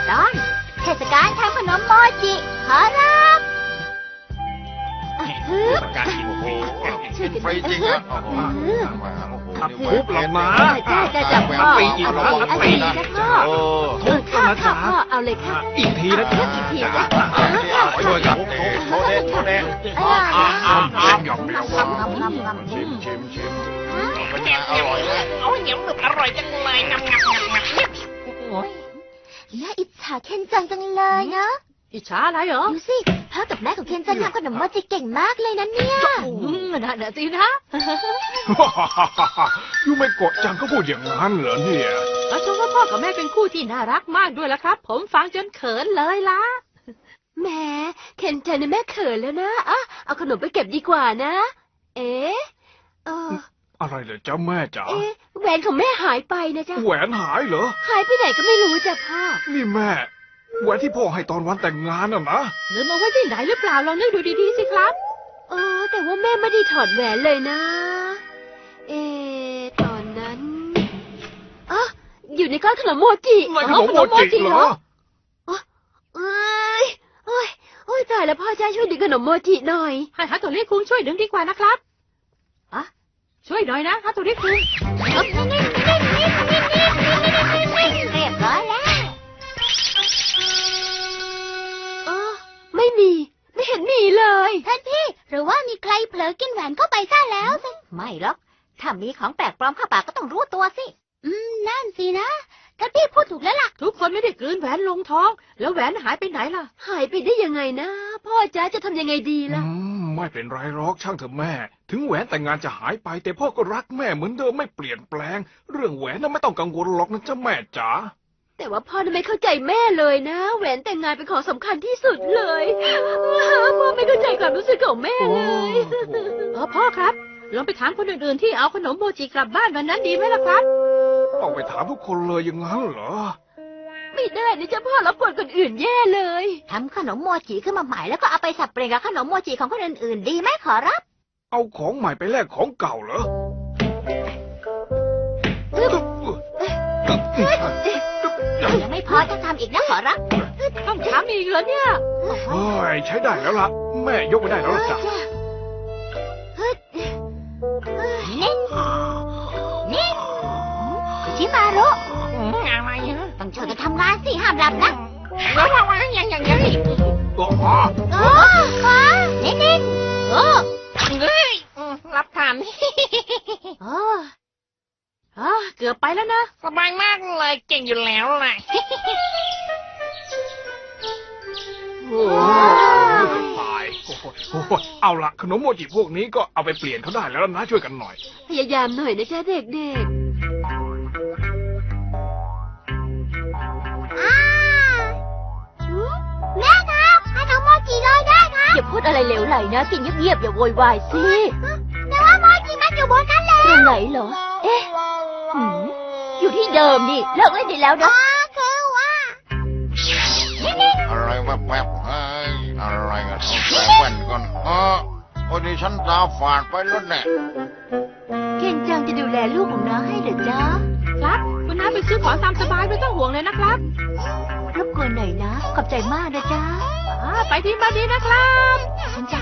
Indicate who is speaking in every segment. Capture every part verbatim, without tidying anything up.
Speaker 1: ตอนเทศกาลทำขนมโมจิขอรับฮึบ
Speaker 2: การกินฟรี
Speaker 1: ช่วยกัน
Speaker 3: ฟรีจริงอ่ะโอ้โห
Speaker 2: ขับคุบหลับมา
Speaker 1: จ้าจ้าจ้าพ่อ
Speaker 2: ปีอีกครั้ง
Speaker 1: เอา
Speaker 2: ปี
Speaker 1: อีก
Speaker 2: นะ
Speaker 1: นะพ่อ
Speaker 3: โอ้
Speaker 1: เออข้าข้าพ่อเอาเลยค่ะ
Speaker 2: อีกทีนะจ๊ะ
Speaker 1: อีกทีนะ
Speaker 3: ช่วยกันโทษเด็ดโทษเด็ด
Speaker 1: อ่า
Speaker 3: อ่าอ่าอ่า
Speaker 2: หยอกไม่
Speaker 1: งำงำงำงำ
Speaker 3: ชิมชิมชิมเป็นไงอร่อยเลย
Speaker 4: โอ้ยเหนียวหนึบอร่อยจังเลยงำงำงำงำโอ้ย
Speaker 1: น่าอิจฉาเคนจังจังเลยนะ
Speaker 5: อิจฉาอะไรเหรอ
Speaker 1: ดูสิพ่อกับแม่ของเคนจังทำขนมโมจิเก่งมากเลยนะเนี่ย
Speaker 5: อืมนั่นน่ะสินะ
Speaker 2: ยูไม่โกะจังก็พูดอย่างนั้นเหรอเนี่ย
Speaker 5: อาชมว่าพ่อกับแม่เป็นคู่ที่น่ารักมากด้วยละครับ ผมฟังจนเขินเลยล่ะ
Speaker 1: แหมเคนจังเนี่ยแม่เขินแล้วนะอ่ะเอาขนมไปเก็บดีกว่านะ เอ๊ะเออ
Speaker 2: อะไรเหรอจ๊ะแม่จ๋า
Speaker 1: เอ๊ะแหวนของแม่หายไปนะจ๊ะ
Speaker 2: แหวนหายเหรอ
Speaker 1: หายไปไหนก็ไม่รู้จ้ะพ่อ
Speaker 2: นี่แม่แหวนที่พ่อให้ตอนวันแต่งงานน่ะนะ
Speaker 5: ลืมเอาไว้ที่ไหนหรือเปล่าลองนึกดูดีๆสิครับ
Speaker 1: เออแต่ว่าแม่ไม่ได้ถอดแหวนเลยนะ เอ๊ะตอนนั้นอ๋ออยู่ในก้อนขนมโมจิ
Speaker 2: ในขนมโมจิเหรอ
Speaker 1: เอ้ยโอ้ยโอ้ยตายแล้วพ่อจ้าช่วยดึงขนมโมจิหน่อย
Speaker 5: ให้ฮัตโตริคุงช่วยดึงดีกว่านะครับอะช่วยหน่อยนะฮัตโตริคุง
Speaker 1: เรียบร้อยแล้วอ๋อไม่มี ไม่เห็นมีเลยท่านพี่ หรือว่ามีใครเผลอกินแหวนเข้าไปซะแล้วสิไม่หรอก ถ้ามีของแปลกปลอมเข้าปากก็ต้องรู้ตัวสิ อืม นั่นสินะ ท่านพี่พูดถูกแล้วล่ะ
Speaker 5: ทุกคนไม่ได้กลืนแหวนลงท้อง แล้วแหวนหายไปไหนล่ะ
Speaker 1: หายไปได้ยังไงนะ พ่อจ้าจะทำยังไงดี
Speaker 2: อื
Speaker 1: ล่ะ
Speaker 2: มไม่เป็นไรหรอกช่างเถอะแม่ ถึงแหวนแต่งงานจะหายไป แต่พ่อก็รักแม่เหมือนเดิมไม่เปลี่ยนแปลง เรื่องแหวนน่ะไม่ต้องกังวลหรอกนะจ๊ะแม่จ๋า
Speaker 1: แต่ว่าพ่อน่ะไม่เข้าใจแม่เลยนะ แหวนแต่งงานเป็นของสำคัญที่สุดเลยพ่อไม่เข้าใจความรู้สึกของแม่เลย
Speaker 5: เออพ่อครับ ลองไปถามคนอื่นๆที่เอาขนมโมจิกลับบ้านวันนั้นดีไหมล่ะครับ
Speaker 2: ต้องไปถามทุกคนเลยอย่างนั้นเหรอ
Speaker 1: ไม่ได้นะจ๊ะพ่อรับกวนคนอื่นแย่เลยทำขนมโมจิขึ้นมาใหม่แล้วก็เอาไปสับเปลี่ยนกับขนมโมจิของคนอื่นๆดีไหมขอรับ
Speaker 2: เอาของใหม่ไปแลกของเก่าเหรอ
Speaker 1: ยังไม่พอจะทำอีกนะขอรับ
Speaker 5: ต้องถามอีกเหรอเนี่ย
Speaker 2: เฮ้ยใช้ได้แล้วล่ะ แม่ยกไปได้แล้วล่ะจ้ะ
Speaker 1: เน่นเน่นชิมารุ
Speaker 4: อืมอะไรฮะ
Speaker 1: ต้องช่วยกันทำงานสิห้ามหลับนะ
Speaker 4: ว้าวว้าวยังยังยัง
Speaker 2: อ๋อ
Speaker 1: โอ้ฟ้าเน่นเน่นโอ้
Speaker 4: เฮ้ยอืมรับทาน
Speaker 1: โอ้
Speaker 5: อ๋อเกือบไปแล้วนะ
Speaker 4: สบายมากเลยเก่งอยู่แล้วแหละ
Speaker 2: โอ้ยตายโอ้โหโอ้โหเอาละขนมโมจิพวกนี้ก็เอาไปเปลี่ยนเขาได้แล้วนะช่วยกันหน่อย
Speaker 1: พยายามหน่อยนะจ๊ะเด็กๆแม่ครับขนมโมจิลอยได้ครับอย่าพูดอะไรเหลวไหลนะกินเงียบๆอย่าโวยวายสิแต่ว่าโมจิมันอยู่บนนั้นแล้วตรงไหนเหรอ เอ๊ะหืมอยู่ที่เดิมนี่เลิกเล่นได้แล้วนะคือว่านี่
Speaker 3: อะไรแวบๆเฮ้ยอะไรกันเอาใส่แว่นก่อนเออโอ้ยนี่ฉันตาฝาดไปแล้วเนี่ย
Speaker 1: เคนจังจะดูแลลูกของน้าให้เหรอจ๊ะ
Speaker 5: ครับ คุณน้าไปซื้อของตามสบายไม่ต้องห่วงเลยนะครับ
Speaker 1: รบกวนหน่อยนะ ขอบใจมากนะจ๊ะ
Speaker 5: อ่าไปที่มาดีนะครับ
Speaker 1: ฉันจะ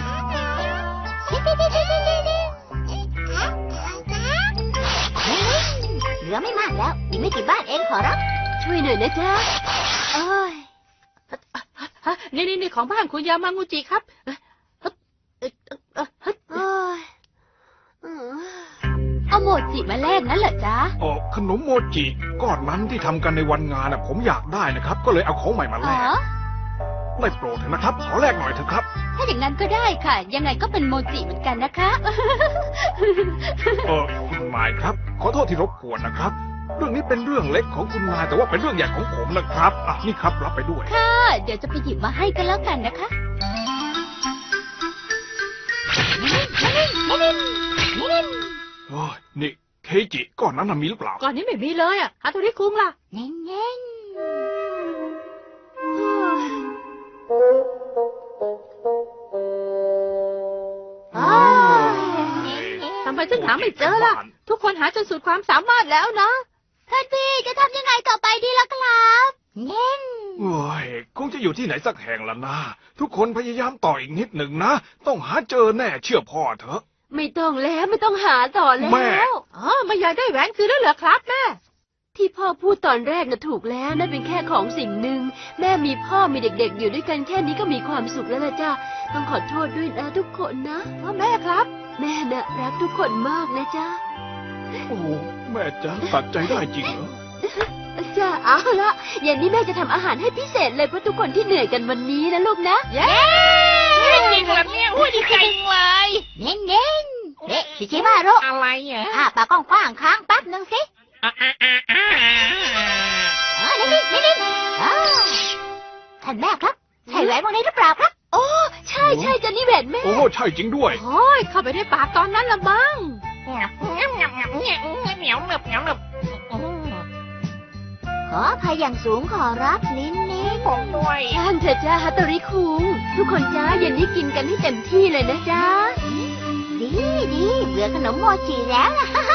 Speaker 1: เหลือไม่มากแล้วอีกไม่กี่บ้านเองขอรับ ช่วยหน่อยนะจ๊ะโอ้ย
Speaker 5: ฮะนี่นี่นี่ของบ้านคุณยามางูจิครับเอ่อเอ่อเอ่อเอ่อเอ่อ
Speaker 1: โอ้ยเอาโมจิมาแลกนั่นเหรอจ๊ะ
Speaker 2: เออขนมโมจิก้อนนั้นที่ทำกันในวันงานน่ะผมอยากได้นะครับ ก็เลยเอาของใหม่มาแล
Speaker 1: อ๋อก
Speaker 2: ได้โปรดเถอะนะครับ ขอแลกหน่อยเถอะครับ
Speaker 1: ถ้าอย่างนั้นก็ได้ค่ะ ยังไงก็เป็นโมจิเหมือนกันนะคะ
Speaker 2: เออคุณนายครับ ขอโทษที่รบกวนนะครับ เรื่องนี้เป็นเรื่องเล็กของคุณนายแต่ว่าเป็นเรื่องใหญ่ของผมนะครับอ่ะนี่ครับรับไปด้วย
Speaker 1: ค่ะ เดี๋ยวจะไปหยิบมาให้กันแล้วกันนะคะนี่นี่นี่นี่
Speaker 2: โอ้ยนี่เคจิก้อนนั้นน่ะมีหรือเปล่า
Speaker 5: ก่อนนี้ไม่มีเลยอ่ะฮัตโตริคุงล่ะ
Speaker 1: เน่นเน่นโอ้ย
Speaker 5: ทำไมถึงหาไม่เจอล่ะ ทุกคนหาจนสุดความสามารถแล้วนะ
Speaker 1: ท่านพี่จะทำยังไงต่อไปดีล่ะครับเน่น
Speaker 2: เอ้อยู่ที่ไหนสักแห่งละนะทุกคนพยายามต่ออีกนิดหนึ่งนะ ต้องหาเจอแน่เชื่อพ่อเถอะ
Speaker 1: ไม่ต้องแล้วไม่ต้องหาต่อแล้
Speaker 2: แม่
Speaker 1: ว
Speaker 5: อ๋อไม่อยากได้แหวนคืนแล้วเหรอครับแม่
Speaker 1: ที่พ่อพูดตอนแรกน่ะถูกแล้วนั่นเป็นแค่ของสิ่งหนึ่งแม่มีพ่อมีเด็กๆ อยู่ด้วยกันแค่นี้ก็มีความสุขแล้วล่ะจ้าต้องขอโทษด้วยนะทุกคนนะ
Speaker 5: พ่อแม่ครับ
Speaker 1: แม่น่ะรักทุกคนมากนะจ้า
Speaker 2: โอ้แม่จ๋าตัดใจได้จริงเหรอ
Speaker 1: จ้าเอาละเย็นนี้แม่จะทำอาหารให้พิเศษเลยเพื่อทุกคนที่เหนื่อยกันวันนี้นะลูกนะ
Speaker 5: เย้
Speaker 4: จริงเหรอเนี่ยอุ้ยดีใจเลย
Speaker 6: เน้นเน้นเอ๊ะชิชิมารุ
Speaker 4: อะไรอ่ะ
Speaker 6: อ้าปากกว้างๆค้างแป๊บหนึ่งสิ
Speaker 4: อ่าอ่าอ่าอ่า
Speaker 6: เออนิ่งๆนิ่งๆอ้าวท่านแม่ครับ ใช่แหวนวงนี้หรือเปล่าครับ
Speaker 1: โอ้ใช่ใช่จ้ะนี่แหวนแม่
Speaker 2: โอ้ใช่จริงด้วย
Speaker 5: โอ้ยเข้าไปในปากตอนนั้นละมั้ง
Speaker 4: งับงับงับงับเนี่ยเหนียวหนึบเหนียวหนึบ
Speaker 6: ขออภัยอย่างสูงขอรับลิ้นนี้
Speaker 4: ผมด้วย
Speaker 1: ช่างเถอะจ้าฮัตโตริคุงทุกคนจ้าเย็นนี้กินกันให้เต็มที่เลยนะจ้า
Speaker 6: ดีดีเบื่อขนมโมจิแล้วนะ